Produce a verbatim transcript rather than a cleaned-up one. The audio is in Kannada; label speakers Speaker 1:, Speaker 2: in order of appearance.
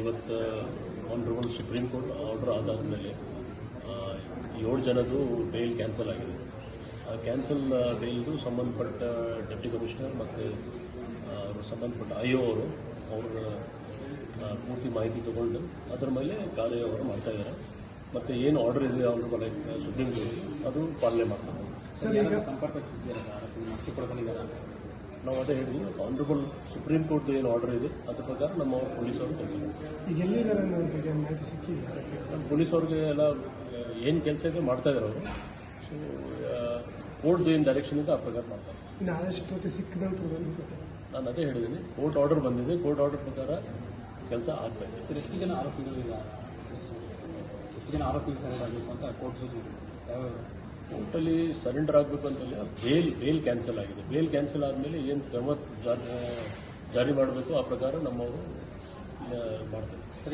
Speaker 1: ಇವತ್ತು ಆನರಬಲ್ ಸುಪ್ರೀಂ ಕೋರ್ಟ್ ಆರ್ಡರ್ ಆದಾದಮೇಲೆ ಏಳು ಜನದ್ದು ಬೇಲ್ ಕ್ಯಾನ್ಸಲ್ ಆಗಿದೆ. ಆ ಕ್ಯಾನ್ಸಲ್ ಬೇಲ್ದು ಸಂಬಂಧಪಟ್ಟ ಡೆಪ್ಟಿ ಕಮಿಷನರ್ ಮತ್ತು ಸಂಬಂಧಪಟ್ಟ ಐ ಒ ಅವರು ಅವರ ಪೂರ್ತಿ ಮಾಹಿತಿ ತಗೊಂಡು ಅದರ ಮೇಲೆ ಕಾರ್ಯವರು ಮಾಡ್ತಾ ಇದ್ದಾರೆ. ಮತ್ತು ಏನು ಆರ್ಡರ್ ಇದೆ ಆನರಬಲ್ ಸುಪ್ರೀಂ ಕೋರ್ಟ್ ಅದು ಪಾಲನೆ ಮಾಡ್ತಾರೆ.
Speaker 2: ಸಂಪರ್ಕ
Speaker 1: ನಾವು ಅದೇ ಹೇಳಿದ್ವಿ, ಆನರಬಲ್ ಸುಪ್ರೀಂ ಕೋರ್ಟ್ ಏನು ಆರ್ಡರ್ ಇದೆ ಅದ್ರ ಪ್ರಕಾರ ನಮ್ಮ ಪೊಲೀಸವರು ಕೆಲಸ ಮಾಡ್ತಾರೆ.
Speaker 3: ಈಗ ಎಲ್ಲಿದ್ದಾರೆ ಬಗ್ಗೆ ಮಾಹಿತಿ ಸಿಕ್ಕಿದೆ?
Speaker 1: ನಮ್ಮ ಪೊಲೀಸವ್ರಿಗೆ ಎಲ್ಲ ಏನು ಕೆಲಸ ಇದೆ ಮಾಡ್ತಾ ಇದ್ದಾರೆ ಅವರು. ಸೊ ಕೋರ್ಟ್ದು ಏನು ಡೈರೆಕ್ಷನ್ ಇದೆ ಆ ಪ್ರಕಾರ ಮಾಡ್ತಾರೆ.
Speaker 3: ಇನ್ನು ಆದಷ್ಟು ಸಿಕ್ಕಿದಂತ
Speaker 1: ನಾನು ಅದೇ ಹೇಳಿದ್ದೀನಿ, ಕೋರ್ಟ್ ಆರ್ಡರ್ ಬಂದಿದೆ, ಕೋರ್ಟ್ ಆರ್ಡರ್ ಪ್ರಕಾರ ಕೆಲಸ ಆಗಬೇಕು.
Speaker 2: ಸರ್, ಎಷ್ಟು ಜನ ಆರೋಪಿಗಳು ಈಗ ಎಷ್ಟು ಜನ ಆರೋಪಿಗಳು ಸರೆಂಡರ್ ಆಗಬೇಕು ಅಂತ ಕೋರ್ಟ್ ಸೂಚನೆ ಯಾವ್ಯಾವ
Speaker 1: ಕೋರ್ಟಲ್ಲಿ ಸರೆಂಡರ್ ಆಗಬೇಕು ಅಂತಲ್ಲ, ಬೇಲ್ ಬೇಲ್ ಕ್ಯಾನ್ಸಲ್ ಆಗಿದೆ. ಬೇಲ್ ಕ್ಯಾನ್ಸಲ್ ಆದಮೇಲೆ ಏನು ಕ್ರಮ ಜಾರಿ ಜಾರಿ ಮಾಡಬೇಕು ಆ ಪ್ರಕಾರ ನಮ್ಮವರು ಮಾಡ್ತಾರೆ.